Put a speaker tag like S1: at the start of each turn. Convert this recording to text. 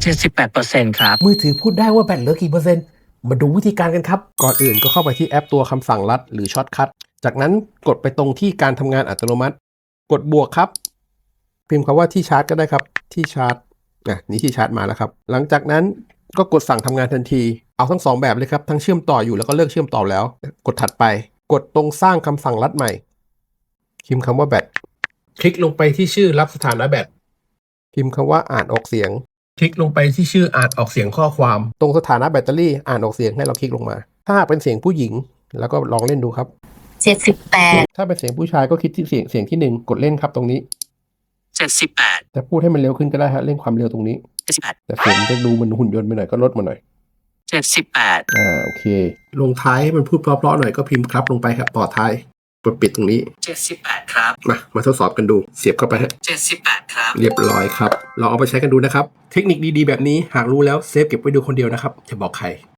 S1: 78%ครับ
S2: มือถือพูดได้ว่าแบตเหลือกี่เปอร์เซ็นต์มาดูวิธีการกันครับก่อนอื่นก็เข้าไปที่แอปตัวคำสั่งลัดหรือช็อตคัทจากนั้นกดไปตรงที่การทำงานอัตโนมัติกดบวกครับพิมพ์คำว่าที่ชาร์จก็ได้ครับที่ชาร์จนี่ที่ชาร์จมาแล้วครับหลังจากนั้นก็กดสั่งทำงานทันทีเอาทั้ง2แบบเลยครับทั้งเชื่อมต่ออยู่แล้วก็เลิกเชื่อมต่อแล้วกดถัดไปกดตรงสร้างคำสั่งลัดใหม่พิมพ์คำว่าแบตคลิกลงไปที่ชื่อรับสถานะแบตพิมพ์คำว่าอ่านออกเสียงคลิกลงไปที่ชื่ออ่านออกเสียงข้อความตรงสถานะแบตเตอรี่อ่านออกเสียงให้เราคลิกลงมาถ้าเป็นเสียงผู้หญิงแล้วก็ลองเล่นดูครับ
S3: 78
S2: ถ้าเป็นเสียงผู้ชายก็คลิกที่เสียงที่1กดเล่นครับตรงนี้
S1: 78
S2: แต่พูดให้มันเร็วขึ้นก็ได้ฮะเร่งความเร็วตรงนี้
S1: 78
S2: แต่เสียงจะดูมันหุ่นยนต์ไปหน่อยก็ลดมาหน่อย
S1: 78
S2: โอเคลงท้ายให้มันพูดเพราะๆหน่อยก็พิมพ์ครับลงไปครับต่อท้ายกดปิดตรงนี้
S1: 78ครับ
S2: มาทดสอบกันดูเสียบเข้าไปฮะ
S1: 78ครับ
S2: เรียบร้อยครับลองเอาไปใช้กันดูนะครับเทคนิคดีๆแบบนี้หากรู้แล้วเซฟเก็บไว้ดูคนเดียวนะครับอย่าบอกใคร